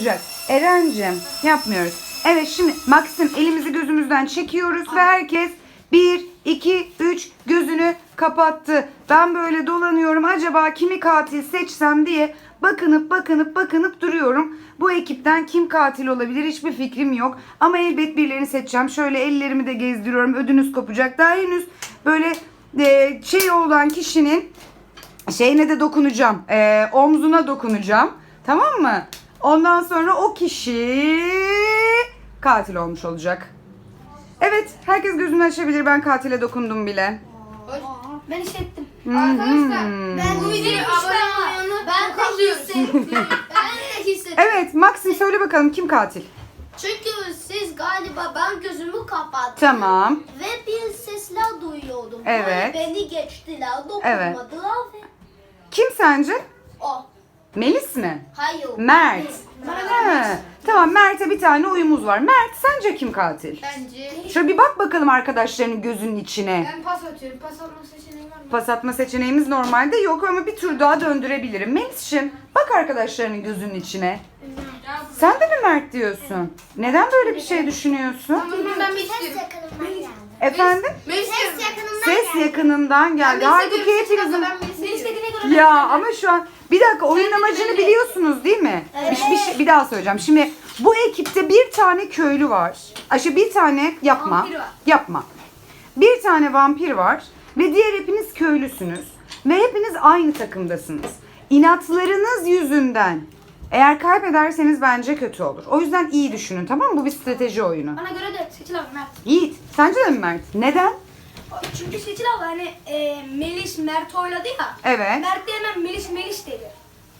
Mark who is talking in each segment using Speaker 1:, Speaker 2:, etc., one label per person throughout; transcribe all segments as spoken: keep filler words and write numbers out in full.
Speaker 1: Erencim yapmıyoruz. Evet, şimdi Maxim elimizi gözümüzden çekiyoruz ve herkes bir, iki, üç gözünü kapattı. Ben böyle dolanıyorum, acaba kimi katil seçsem diye bakınıp bakınıp bakınıp duruyorum. Bu ekipten kim katil olabilir hiçbir fikrim yok. Ama elbet birilerini seçeceğim. Şöyle ellerimi de gezdiriyorum, ödünüz kopacak. Daha henüz böyle e, şey olan kişinin şeyine de dokunacağım. E, omzuna dokunacağım. Tamam mı? Ondan sonra o kişi katil olmuş olacak. Evet, herkes gözünü açabilir. Ben katile dokundum bile.
Speaker 2: Ben hissettim.
Speaker 1: Hmm.
Speaker 2: Arkadaşlar
Speaker 3: Ben
Speaker 2: bu videoyu abone olmayı
Speaker 3: Ben de hissettim. Ben de hissettim.
Speaker 1: Evet, Maxim söyle bakalım kim katil?
Speaker 3: Çünkü siz galiba ben gözümü kapattım.
Speaker 1: Tamam.
Speaker 3: Ve bir sesler duyuyordum.
Speaker 1: Evet.
Speaker 3: Böyle beni geçtiler,
Speaker 1: Evet.
Speaker 3: dokunmadılar ve
Speaker 1: Kim sence?
Speaker 3: o.
Speaker 1: Melis mi?
Speaker 3: Hayır.
Speaker 1: Mert.
Speaker 2: Bana
Speaker 1: He. Tamam, Mert'e bir tane uyumuz var. Mert, sence kim katil?
Speaker 2: Bence
Speaker 1: Şöyle bir bak bakalım arkadaşlarının gözünün içine.
Speaker 2: ben pas atıyorum. Pas atma seçeneği var mı?
Speaker 1: Pas atma seçeneğimiz normalde yok ama bir tur daha döndürebilirim. Melis'ciğim bak arkadaşlarının gözünün içine. Sen de mi Mert diyorsun? Neden böyle bir şey düşünüyorsun?
Speaker 2: Tamam ben bir
Speaker 3: Ses
Speaker 2: istiyorum.
Speaker 3: yakınımdan geldi.
Speaker 1: Efendim?
Speaker 2: Melis
Speaker 3: Ses yakınımdan
Speaker 1: Ses
Speaker 3: geldi.
Speaker 1: yakınından geldi. Halbuki hepinizin...
Speaker 2: Ben Melis dediğine
Speaker 1: Ya ama şu an bir dakika, oyun amacını biliyorsunuz değil mi? Bir, bir, şey- bir daha söyleyeceğim. Şimdi bu ekipte bir tane köylü var. Ayşe bir tane yapma.
Speaker 2: Vampir var.
Speaker 1: Yapma. Bir tane vampir var ve diğer hepiniz köylüsünüz ve hepiniz aynı takımdasınız. İnatlarınız yüzünden eğer kaybederseniz bence kötü olur. O yüzden iyi düşünün, tamam mı? Bu bir strateji oyunu.
Speaker 2: Bana göre de Seçil abi Mert.
Speaker 1: Yiğit, sence de mi Mert? Neden?
Speaker 2: Çünkü Seçil abi hani e, Melis Mert oyladı ya.
Speaker 1: Evet.
Speaker 2: Mert de hemen Melis Melis dedi.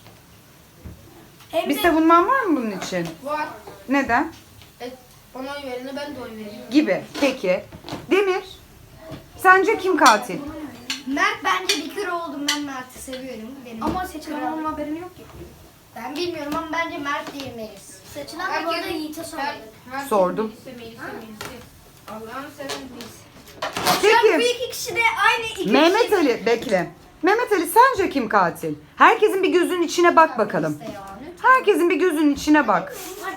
Speaker 2: Hem
Speaker 1: Bir
Speaker 2: de
Speaker 1: savunman var mı bunun için?
Speaker 2: var.
Speaker 1: Neden?
Speaker 2: E, bana oy verene ben de oy vereyim.
Speaker 1: Gibi. Peki. Demir, sence kim katil?
Speaker 3: Mert bence bir kere oldum, ben Mert'i seviyorum. Benim
Speaker 2: Ama Seçil abi onun haberini yok ki.
Speaker 3: Ben bilmiyorum ama bence Mert diyemeyiz. Seçilen de bu arada Yiğit'e sormadık.
Speaker 1: Sordum.
Speaker 2: Allah'ını seven Melis.
Speaker 3: Bu
Speaker 1: Peki.
Speaker 3: iki kişi de aynı iki
Speaker 1: Mehmet
Speaker 3: kişi.
Speaker 1: Ali, bekle. Mehmet Ali, sence kim katil? Herkesin bir gözünün içine bak bakalım.
Speaker 3: İşte yani.
Speaker 1: Herkesin bir gözünün içine bak.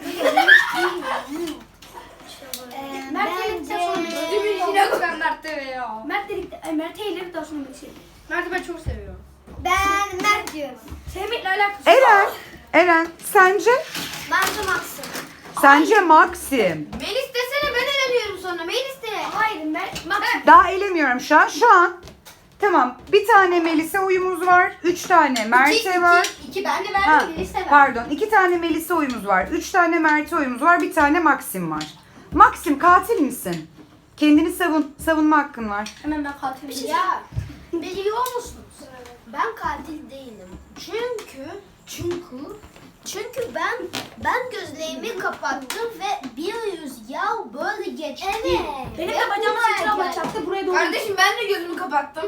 Speaker 3: Ee,
Speaker 2: Mert
Speaker 3: bence...
Speaker 2: dedikten sonra gözümün içine koyan Mert de ya. Mert dedikten, ay Mert eğlenip daha sonra Melis'i. Mert'i ben çok seviyorum.
Speaker 3: Ben Mert diyorum.
Speaker 2: Sevmekle alakası yok.
Speaker 1: Eren, Eren, sence?
Speaker 3: Bence Max'ım.
Speaker 1: Sence Maxim.
Speaker 2: Melis desene, ben eleniyorum sonra. Melis de. Hayır Mert. Max.
Speaker 1: Daha elemiyorum şu an. Şu an. Tamam. Bir tane Melis'e uyumuz var. Üç tane Mert'e var.
Speaker 2: İki, iki ben de
Speaker 1: Ha,
Speaker 2: verdim. Melis de verdim.
Speaker 1: pardon. İki tane Melis'e uyumuz var. Üç tane Mert'e uyumuz var. Bir tane Maxim var. Maxim, katil misin? Kendini savun. Savunma hakkın var.
Speaker 2: Hemen ben katilim.
Speaker 3: Ya biliyor musunuz? Ben katil değilim. Çünkü çünkü çünkü ben ben gözlerimi kapattım ve bir rüzgar böyle geçti. Evet.
Speaker 2: Benim
Speaker 3: Ve
Speaker 2: de bacağıma
Speaker 3: buraya
Speaker 2: Seçil abla
Speaker 3: geldi.
Speaker 2: çarptı, buraya doğru.
Speaker 4: Kardeşim ben de gözümü kapattım.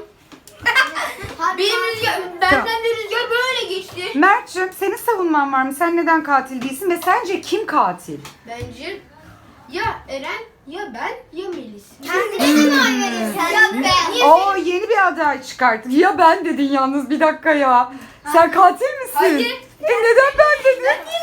Speaker 3: Hadi
Speaker 4: Benim
Speaker 3: lan.
Speaker 4: rüzgar, benden de rüzgar böyle geçti.
Speaker 1: Mert'cim, senin savunman var mı? Sen neden katil değilsin ve sence kim katil?
Speaker 4: Bence ya Eren ya ben ya Melis.
Speaker 3: Kendine mi oy veriyorsun? Ya ben.
Speaker 1: Oo, yeni bir aday çıkarttın. Ya ben dedin yalnız, bir dakika ya. Sen katil misin?
Speaker 4: Hayır.
Speaker 1: E neden ben dedin?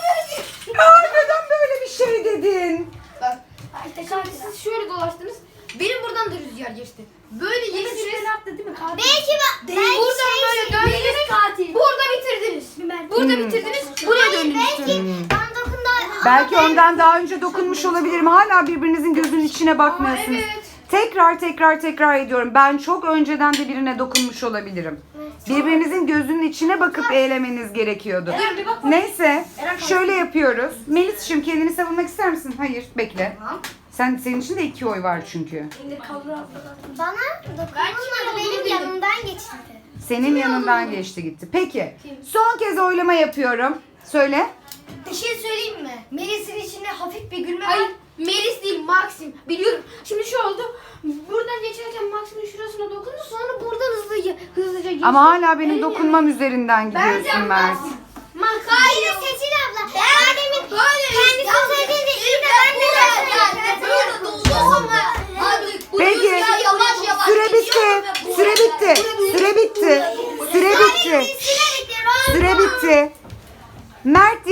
Speaker 1: Aa, neden böyle bir şey dedin?
Speaker 4: Bak işte şimdi siz şöyle dolaştınız. Benim buradan da rüzgar geçti. Böyle
Speaker 2: Melis
Speaker 4: geçtiniz.
Speaker 2: beni attı değil mi? Katil.
Speaker 3: Belki ben, belki
Speaker 4: Buradan
Speaker 3: şey,
Speaker 4: böyle döndünüz.
Speaker 2: Katil.
Speaker 4: Burada bitirdiniz.
Speaker 2: Ben.
Speaker 4: Burada
Speaker 1: Hmm.
Speaker 4: bitirdiniz. Buraya
Speaker 3: Hayır,
Speaker 4: döndünüz.
Speaker 3: belki ben dokunda.
Speaker 1: Belki ondan daha önce dokunmuş olabilirim. Hala birbirinizin gözünün içine bakmıyorsunuz.
Speaker 4: Aa, evet.
Speaker 1: Tekrar tekrar tekrar ediyorum. Ben çok önceden de birine dokunmuş olabilirim. Birbirinizin gözünün içine bakıp eğlemeniz gerekiyordu.
Speaker 2: Eren bir bak.
Speaker 1: Neyse, şöyle yapıyoruz. Melis'ciğim, kendini savunmak ister misin? Hayır, bekle. Sen, senin için de iki oy var çünkü.
Speaker 2: İndir kaldır abla.
Speaker 3: Bana dokunulmadı, benim yanımdan geçti.
Speaker 1: Senin yanından geçti gitti. Peki, son kez oylama yapıyorum. Söyle.
Speaker 3: Bir şey söyleyeyim mi? Melis'in içinde hafif bir gülme
Speaker 4: Hayır Melis değil Maxim. Biliyorum. Şimdi şu oldu. Buradan geçerken Maxim'in şurasına dokundu. Sonra buradan hızlıca hızlıca geçti.
Speaker 1: Ama hala benim
Speaker 4: Evet.
Speaker 1: dokunmam üzerinden gidiyorsun Mert.
Speaker 4: Max.
Speaker 3: Hayır Seçil abla. Ben demin kendisi söylediğinde iyi de ben de
Speaker 4: Böyle böyle doldu ama. Abi bu
Speaker 1: Peki,
Speaker 4: rüzgar yavaş yavaş
Speaker 1: süre
Speaker 4: geçiyor
Speaker 1: bitti.
Speaker 4: ve bu-
Speaker 1: Süre bitti. Süre bitti. Süre bitti. Süre bitti. Mert diyenlere el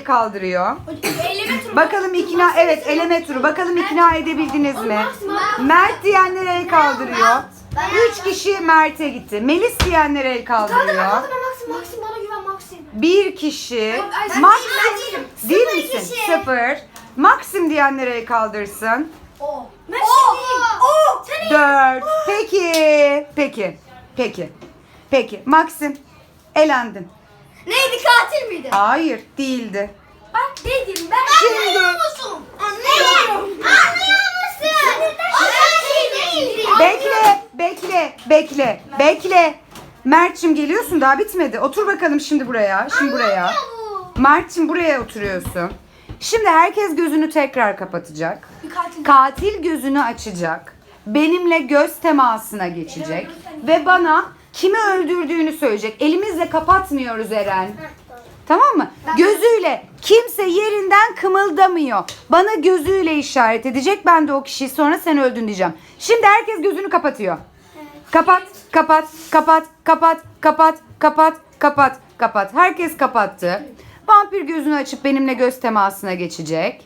Speaker 1: el kaldırıyor.
Speaker 2: Eleme turu.
Speaker 1: Bakalım ikna, evet eleme turu. Bakalım ikna edebildiniz mi? Mert diyenler el kaldırıyor. Üç kişi Mert'e gitti. Melis diyenler el kaldırıyor.
Speaker 4: Maxim, Maxim bana güven Maxim.
Speaker 1: Bir kişi.
Speaker 2: ben
Speaker 1: Maxim değil misin? Sıfır. Maxim diyenler el kaldırsın.
Speaker 3: O.
Speaker 2: O.
Speaker 1: Dört. Peki. Peki. Peki. Peki. Maxim elendin.
Speaker 3: Neydi, katil miydi?
Speaker 1: Hayır değildi.
Speaker 2: Bak dedim ben.
Speaker 1: Şimdi
Speaker 3: musun? Anlıyorum. Anlıyor musun? O katil değildi.
Speaker 1: bekle, bekle, bekle, bekle. Mert'cim geliyorsun, daha bitmedi. Otur bakalım şimdi buraya. Şimdi buraya. Mert'cim buraya oturuyorsun. Şimdi herkes gözünü tekrar kapatacak. Katil gözünü açacak. Benimle göz temasına geçecek. Ve bana kimi öldürdüğünü söyleyecek. Elimizle kapatmıyoruz Eren. Tamam mı? Gözüyle. Kimse yerinden kımıldamıyor. Bana gözüyle işaret edecek. Ben de o kişiyi sonra sen öldün diyeceğim. Şimdi herkes gözünü kapatıyor. Kapat, kapat, kapat, kapat, kapat, kapat, kapat, kapat. Herkes kapattı. Vampir gözünü açıp benimle göz temasına geçecek.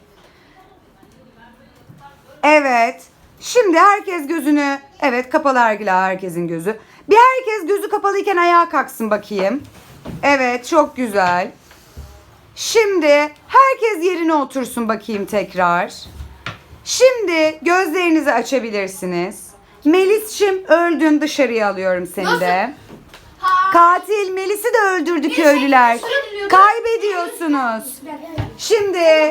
Speaker 1: Evet. Şimdi herkes gözünü, evet kapalı Ergila herkesin gözü. Bir herkes gözü kapalıyken ayağa kalksın bakayım. Evet, çok güzel. Şimdi herkes yerine otursun bakayım tekrar. Şimdi gözlerinizi açabilirsiniz. Melis'cim öldün, dışarıya alıyorum seni de. Katil Melis'i de öldürdü köylüler. Kaybediyorsunuz. Şimdi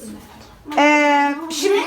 Speaker 1: eee şimdi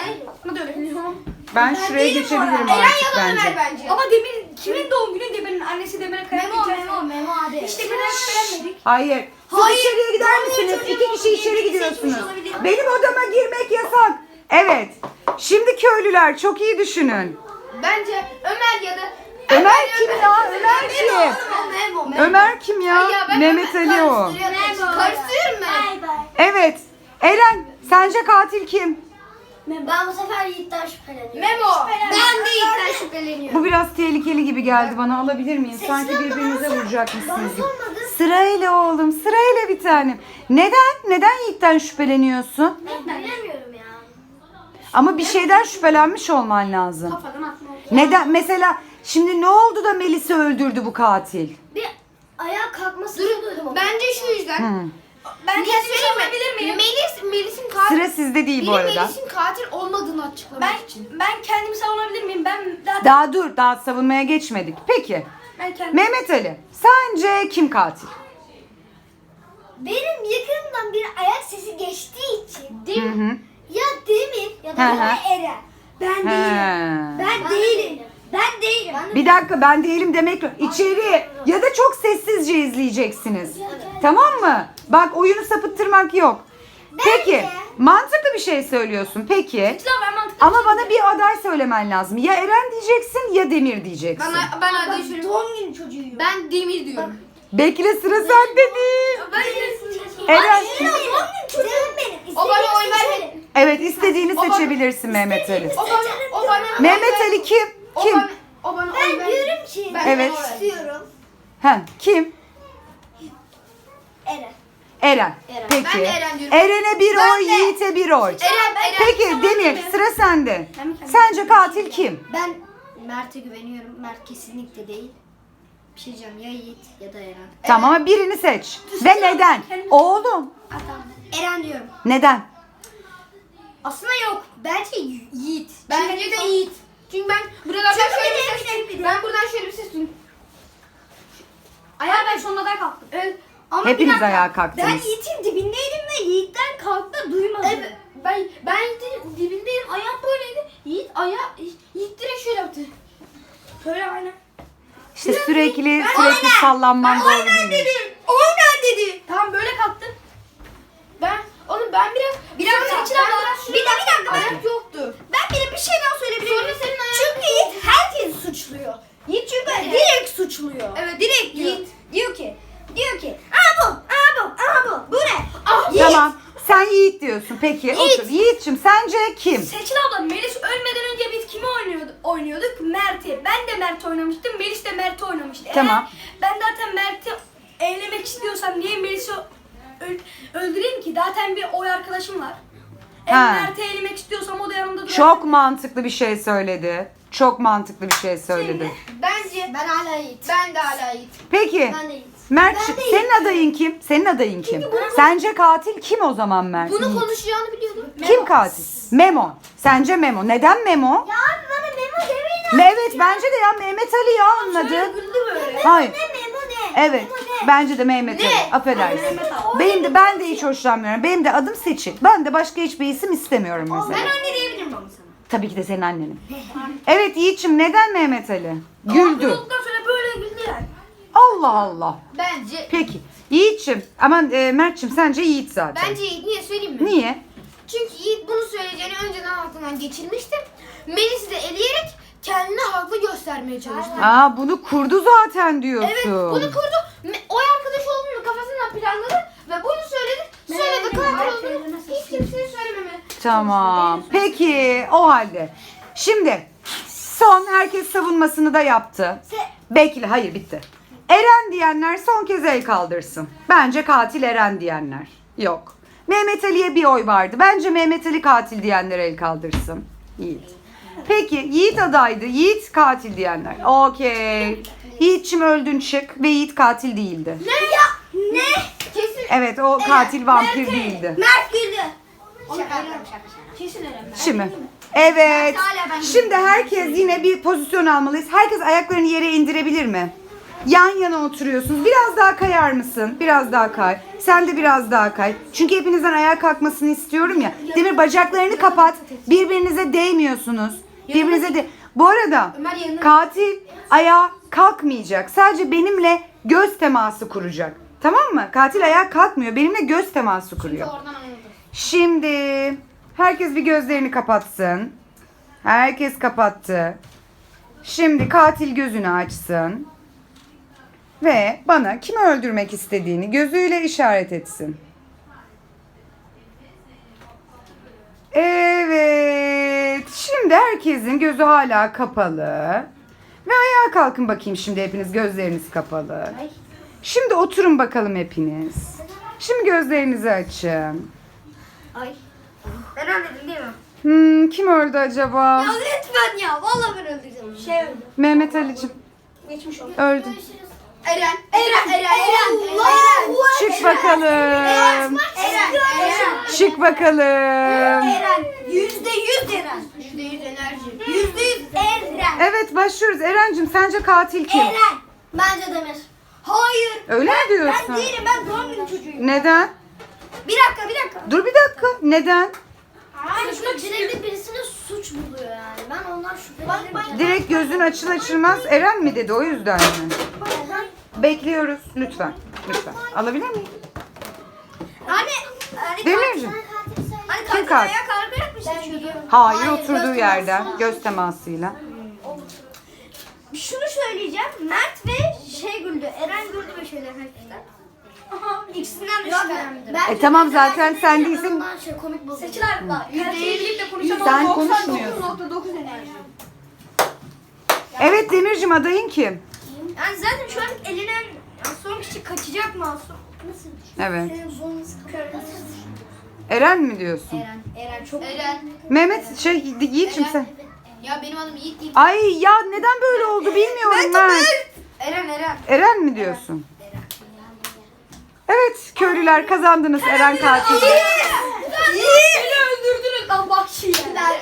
Speaker 1: ben şuraya geçebilirim artık bence.
Speaker 2: bence. Ama Demir kimin doğum günü? Demir'in annesi Demir'e karar
Speaker 3: Memo, Memo, Memo abi.
Speaker 2: İşte Demir'e şüphelenmedik.
Speaker 1: Hayır. Siz içeriye gider misiniz? İki kişi içeri gidiyorsunuz. Benim odama girmek yasak. Evet. Şimdi köylüler çok iyi düşünün.
Speaker 4: Bence Ömer ya da
Speaker 1: Ömer kim ya? Ömer kim?
Speaker 3: Memo, Memo.
Speaker 1: Ömer kim ya?
Speaker 4: Ya ben
Speaker 1: Mehmet Ali o.
Speaker 4: karıştırıyorum ben.
Speaker 3: Bay bay.
Speaker 1: Evet. Eren, sence katil kim?
Speaker 3: Ben bu sefer Yiğit'ten şüpheleniyorum.
Speaker 4: Memo. Ben de Yiğit'ten şüpheleniyorum.
Speaker 1: Bu biraz tehlikeli gibi geldi bana. Alabilir miyim? Sanki birbirinize vuracakmışsınız gibi. Sırayla oğlum, sırayla bir tanem. Neden? Neden Yiğit'ten şüpheleniyorsun?
Speaker 3: Ben bilemiyorum ya.
Speaker 1: Ama bir şeyden şüphelenmiş olman lazım.
Speaker 2: Kafadan atma.
Speaker 1: Neden? Mesela şimdi ne oldu da Melis'i öldürdü bu katil?
Speaker 3: Bir ayağa kalkmasını duydum ama.
Speaker 4: Bence şu yüzden.
Speaker 1: Hı.
Speaker 2: Ben
Speaker 4: Niye
Speaker 2: kendimi
Speaker 4: söyleyeyim mi?
Speaker 2: savunabilir miyim?
Speaker 4: Melis, Melis'in katil.
Speaker 1: Sıra sizde değil bu
Speaker 4: Biri
Speaker 1: arada.
Speaker 4: Melis'in katil olmadığını açıklamak
Speaker 2: Ben
Speaker 4: için.
Speaker 2: ben kendimi savunabilir miyim? Ben zaten
Speaker 1: Daha dur, daha savunmaya geçmedik. Peki,
Speaker 2: ben kendim.
Speaker 1: Mehmet Ali, sence kim katil?
Speaker 3: Benim yakınımdan bir ayak sesi geçtiği için
Speaker 1: Hı hı.
Speaker 3: ya Demir ya
Speaker 1: Hı
Speaker 3: da
Speaker 1: hı.
Speaker 3: ya Eren. Ben değilim.
Speaker 1: He.
Speaker 3: Ben değilim. Ben değilim.
Speaker 1: Bir dakika, ben değilim demek yok. İçeri ya da çok sessizce izleyeceksiniz. Tamam mı? Bak, oyunu sapıttırmak yok. Peki,
Speaker 3: Bence-
Speaker 1: mantıklı bir şey söylüyorsun. Peki.
Speaker 2: Sıra ben mantıklı.
Speaker 1: Ama bana bir aday söylemen lazım. Ya Eren diyeceksin ya Demir diyeceksin.
Speaker 4: Ben, ben adayı söyleyeyim.
Speaker 3: Doğum günü çocuğuyum.
Speaker 4: Ben Demir diyorum.
Speaker 1: Bekle, sıra sende değil.
Speaker 2: Ben
Speaker 1: Eren.
Speaker 3: Eren doğum günü çocuğum benim.
Speaker 4: O bana oy
Speaker 3: İstediğimi
Speaker 4: vermedi.
Speaker 3: seçerim.
Speaker 1: Evet, istediğini
Speaker 4: O bana-
Speaker 1: seçebilirsin Mehmet Ali.
Speaker 4: O bana, o bana
Speaker 1: Mehmet Ali kim?
Speaker 4: O
Speaker 1: Kim?
Speaker 4: bana, o bana
Speaker 3: Ben
Speaker 4: oy verdi.
Speaker 3: diyorum ki
Speaker 4: Ben
Speaker 1: Evet.
Speaker 4: oy verdim.
Speaker 3: istiyorum.
Speaker 1: Ha, kim?
Speaker 3: Eren.
Speaker 1: Eren.
Speaker 3: Eren.
Speaker 1: Peki.
Speaker 4: Ben de Eren diyorum.
Speaker 1: Eren'e bir
Speaker 4: Ben
Speaker 1: oy,
Speaker 4: de.
Speaker 1: Yiğit'e bir oy.
Speaker 4: Eren, Eren.
Speaker 1: Peki Demir, sıra sende.
Speaker 2: Ben mi kendim?
Speaker 1: Sence katil kim?
Speaker 3: Ben Mert'e güveniyorum. Mert kesinlikle değil. Bir şey diyeceğim, ya Yiğit ya da Eren.
Speaker 1: Tamam ama birini seç. Ve neden? Oğlum.
Speaker 3: Eren diyorum.
Speaker 1: Neden?
Speaker 3: Aslında yok. Bence Yiğit.
Speaker 4: Bence de Yiğit. Çünkü ben buradan
Speaker 3: Çünkü
Speaker 4: şöyle
Speaker 3: bir de-
Speaker 4: bir ses
Speaker 3: bir de- bir de-
Speaker 4: Ben buradan şöyle bir ses duydum.
Speaker 2: Ayağa ben sonuna kalktım.
Speaker 4: Evet.
Speaker 3: Ama
Speaker 1: Hepiniz
Speaker 3: bir dakika,
Speaker 1: ayağa
Speaker 3: Ben
Speaker 1: kalktınız.
Speaker 3: Yiğit'in dibindeydim ve Yiğit'ten kalktı duymadım.
Speaker 4: Evet. Ben ben Yiğit'in dibindeyim. Ayağım böyleydi. Yiğit ayağı Yiğit direkt şöyle yaptı.
Speaker 2: Şöyle aynen.
Speaker 1: İşte sürekli sürekli sallanman doğru değil.
Speaker 4: Oynan dedi. Tamam böyle kalktım. Ben oğlum ben biraz
Speaker 3: Biraz
Speaker 4: Sonra
Speaker 3: Seçil
Speaker 4: ben
Speaker 3: abla,
Speaker 4: biraz
Speaker 3: bir de- bir dakika, ben-
Speaker 4: ayak yoktu.
Speaker 3: Ben bir de bir şey daha söyleyebilir
Speaker 4: Sonra
Speaker 3: miyim?
Speaker 4: senin ayağın
Speaker 3: Çünkü Yiğit herkesi suçluyor. Yiğit çünkü
Speaker 4: Evet.
Speaker 3: direkt suçluyor.
Speaker 4: Evet direkt diyor.
Speaker 3: Yiğit diyor ki, diyor ki, aa bu, aa bu, aa bu, bu ne? Ah, Yiğit.
Speaker 1: Tamam. Sen Yiğit diyorsun. Peki
Speaker 3: Yiğit.
Speaker 1: otur. Yiğit'cim sence kim?
Speaker 2: Seçil abla Melis ölmeden önce biz kimi oynuyorduk? Oynuyorduk Mert'i. Ben de Mert oynamıştım. Melis de Mert oynamıştı. Eğer
Speaker 1: Tamam.
Speaker 2: ben zaten Mert'i eğlemek istiyorsam niye Melis'i ö- öldüreyim ki zaten bir oy arkadaşım var.
Speaker 1: Ha.
Speaker 2: Eğer Mert'i elemek istiyorsam o da yanımda durar.
Speaker 1: Çok mantıklı bir şey söyledi. Çok mantıklı bir şey söyledi.
Speaker 4: Bence
Speaker 3: Ben hala Yiğit.
Speaker 4: ben de hala Yiğit.
Speaker 1: Peki
Speaker 3: Ben de Yiğit.
Speaker 1: Mert,
Speaker 3: Ben de
Speaker 1: senin adayın kim? Senin adayın kim? Sence katil kim o zaman Mert?
Speaker 4: Bunu konuşacağını biliyordum.
Speaker 1: Kim katil? Memo. Sence Memo. Neden Memo?
Speaker 3: Ya abi bana memo demeyin.
Speaker 1: Me- Evet bence de ya Mehmet Ali ya anladı.
Speaker 2: Güldü böyle.
Speaker 1: Hayır.
Speaker 3: Ne memo ne?
Speaker 1: Evet. Bence de Mehmet Ali. Affedersin.
Speaker 2: Mehmet Ali.
Speaker 1: Benim de ben de hiç hoşlanmıyorum. Benim de adım Seçil. Ben de başka hiçbir isim istemiyorum mesela.
Speaker 4: Ben anne diyebilirim ama sana.
Speaker 1: Tabii ki de senin annenin. Evet Yiğit'ciğim neden Mehmet Ali? Güldü.
Speaker 2: Olduktan sonra böyle güldü yani.
Speaker 1: Allah Allah.
Speaker 4: Bence
Speaker 1: Peki. Yiğit'ciğim. Aman e, Mert'ciğim sence Yiğit zaten.
Speaker 4: bence Yiğit. Niye söyleyeyim mi?
Speaker 1: Niye?
Speaker 4: Çünkü Yiğit bunu söyleyeceğini önceden aklından geçirmişti. Melis'i de eleyerek kendini haklı göstermeye çalıştı.
Speaker 1: Aa bunu kurdu zaten diyorsun.
Speaker 4: Evet bunu kurdu. Me- Oy arkadaş olduğunu kafasından planladı ve bunu söyledi. Sonra da katil olduğunu hiç kimseye söylememe.
Speaker 1: Tamam. Peki o halde. Şimdi son herkes savunmasını da yaptı. Bekle hayır bitti. Eren diyenler son kez el kaldırsın. Bence katil Eren diyenler. Yok. Mehmet Ali'ye bir oy vardı. Bence Mehmet Ali katil diyenler el kaldırsın. Yiğit. Peki Yiğit adaydı. Yiğit katil diyenler. Okey. Yiğit'cim öldün çık ve Yiğit katil değildi.
Speaker 3: Ne ya? Ne?
Speaker 4: Kesin.
Speaker 1: Evet o katil vampir değildi.
Speaker 3: Mert güldü.
Speaker 4: Şaka yapıyorum şaka şaka.
Speaker 2: Kesin Eren.
Speaker 1: Şimdi. Evet.
Speaker 4: Hala ben
Speaker 1: Şimdi herkes yine bir pozisyon almalıyız. Herkes ayaklarını yere indirebilir mi? Yan yana oturuyorsunuz. Biraz daha kayar mısın? Biraz daha kay. Sen de biraz daha kay. Çünkü hepinizden ayağa kalkmasını istiyorum ya. Demir bacaklarını kapat. Birbirinize değmiyorsunuz. Birbirinize de. Bu arada
Speaker 4: Ömer yanına-
Speaker 1: katil ayağa kalkmayacak. Sadece benimle göz teması kuracak. Tamam mı? Katil ayağa kalkmıyor. Benimle göz teması kuruyor.
Speaker 4: Oradan anladım.
Speaker 1: Şimdi herkes bir gözlerini kapatsın. Herkes kapattı. Şimdi katil gözünü açsın. Ve bana kimi öldürmek istediğini gözüyle işaret etsin. Evet. Şimdi herkesin gözü hala kapalı. Ve ayağa kalkın bakayım şimdi hepiniz gözleriniz kapalı. Şimdi oturun bakalım hepiniz. Şimdi gözlerinizi açın.
Speaker 3: Ay.
Speaker 4: Ben anladım değil mi?
Speaker 1: Hmm, kim öldü acaba?
Speaker 3: Ya lütfen ya. Vallahi ben öldüreceğim.
Speaker 2: Şey öldü.
Speaker 1: Mehmet Ali'cim
Speaker 2: Geçmiş olsun.
Speaker 1: öldü.
Speaker 4: Eren. Eren. Eren. Eren.
Speaker 3: Allah.
Speaker 1: Çık bakalım.
Speaker 3: Eren. Eren.
Speaker 1: Çık bakalım.
Speaker 3: Eren. Yüzde yüz Eren.
Speaker 4: Yüzde yüz enerji.
Speaker 3: Yüzde yüz Eren.
Speaker 1: Evet başlıyoruz. Eren'cim sence katil kim?
Speaker 3: Eren. Bence Demir. Hayır.
Speaker 1: Öyle mi
Speaker 3: Ben
Speaker 1: diyorsun?
Speaker 3: değilim. Ben doğum günü çocuğuyum.
Speaker 1: Neden?
Speaker 3: Bir dakika bir dakika.
Speaker 1: Dur bir dakika. Neden?
Speaker 3: Hayır. Direkt birisine suç buluyor yani. Ben ondan şüphelenirim.
Speaker 1: Direkt gözün açıl açılmaz Eren mi dedi o yüzden mi? Bekliyoruz. Lütfen. Lütfen. Alabilir miyim?
Speaker 3: Hani hani
Speaker 1: Demircim.
Speaker 3: Hani
Speaker 1: Kim
Speaker 3: katil
Speaker 1: katil?
Speaker 3: ayağa kalkarak mı seçiyordu?
Speaker 1: Hayır oturduğu yerden göz temasıyla.
Speaker 3: Şunu söyleyeceğim. Mert ve şey güldü. Eren güldü ve şeyler hakikaten. Aha, ikisinden de şüphelendim.
Speaker 1: E tamam zaten sen değilsin.
Speaker 3: Şey komik buldu.
Speaker 2: Seçil abi bak. Her şeyi birlikte konuşalım.
Speaker 1: Sen
Speaker 2: doksan dokuz
Speaker 1: konuşmuyorsun.
Speaker 2: nokta dokuz enerji.
Speaker 1: Evet Demircim adayın kim?
Speaker 3: Yani zaten şu an elenen son kişi kaçacak Masum. Nasıl?
Speaker 1: Evet.
Speaker 3: Senin zonunuz kırmızı.
Speaker 1: Eren mi diyorsun?
Speaker 3: Eren, Eren çok
Speaker 4: Eren.
Speaker 1: Mehmet şey Yiğit'cim sen.
Speaker 4: Ya benim adım Yiğit değil.
Speaker 1: Ay ya neden böyle oldu bilmiyorum ben.
Speaker 4: Eren Eren.
Speaker 1: Eren mi diyorsun? Evet köylüler kazandınız Eren katili.
Speaker 2: Beni öldürdünüz lan bak şimdi.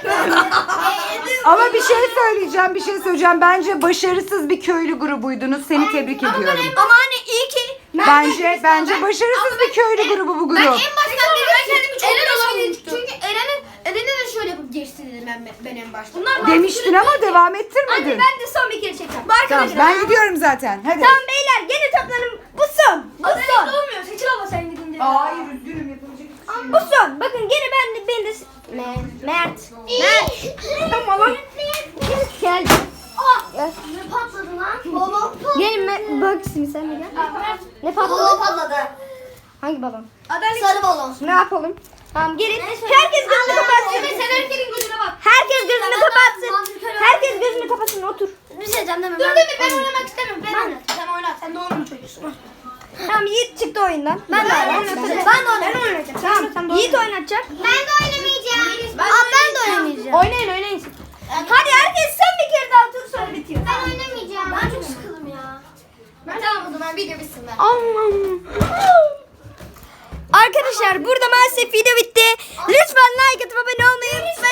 Speaker 1: Ama bir şey söyleyeceğim bir şey söyleyeceğim. Bence başarısız bir köylü grubuydunuz. Seni tebrik ediyorum.
Speaker 3: Ama hani iyi ki
Speaker 1: Bence bence başarısız bir köylü grubu bu
Speaker 4: Ben
Speaker 1: grup.
Speaker 4: en baştan beri ben kendimi çok Eren savunmuştum. Çünkü Eren'in Eren'e de şöyle yapıp geçti dedim ben, ben en başta. Bunlar
Speaker 1: Demiştin ama devam
Speaker 3: Anne
Speaker 1: ettirmedin.
Speaker 3: ben de son bir kere çekeceğim. Bu
Speaker 1: Tamam
Speaker 3: arkadaşlar.
Speaker 1: ben gidiyorum zaten. Hadi.
Speaker 3: Tamam beyler gene toplanın. Bu son. Bu son.
Speaker 2: Olmuyor. Seçil abla sen gidince.
Speaker 1: Hayır üzgünüm yapılacak.
Speaker 3: Bu son. Bakın gene ben de ben de Me- Mert. Mert. Tamam lan. Gel. Gel. Ne patladı lan? Babam patladı. Gelin me- bak şimdi sen de gel. Ne patladı? Babam patladı. Hangi babam? Sarı balon. Ne yapalım? Tamam gelin. Herkes gözünü kapatsın.
Speaker 4: Sen herkesin gözüne bak.
Speaker 3: Herkes gözünü kapatsın. Herkes gözünü kapatsın. Otur. Bir şey diyeceğim deme.
Speaker 4: Dur Demir ben oynamak istemiyorum. Ben
Speaker 3: Ben-
Speaker 4: oynat. Sen oynat. Sen doğum günü çocuğusun.
Speaker 3: Ha,
Speaker 5: Tamam Yiğit çıktı oyundan. Ben de oynayacağım. Ben de oynayacağım. Tamam. Yiğit oynatacak.
Speaker 3: Ben de oynamayacağım.
Speaker 5: Aa ben de oynamayacağım. Oynayın oynayın. Hadi herkes sen bir kere daha tur sonra bitiyor.
Speaker 3: Ben oynamayacağım. Ben çok sıkıldım ya.
Speaker 2: Tamam o zaman video bitsin ben.
Speaker 5: Arkadaşlar burada maalesef video bitti. Lütfen like atıp abone olmayı unutmayın.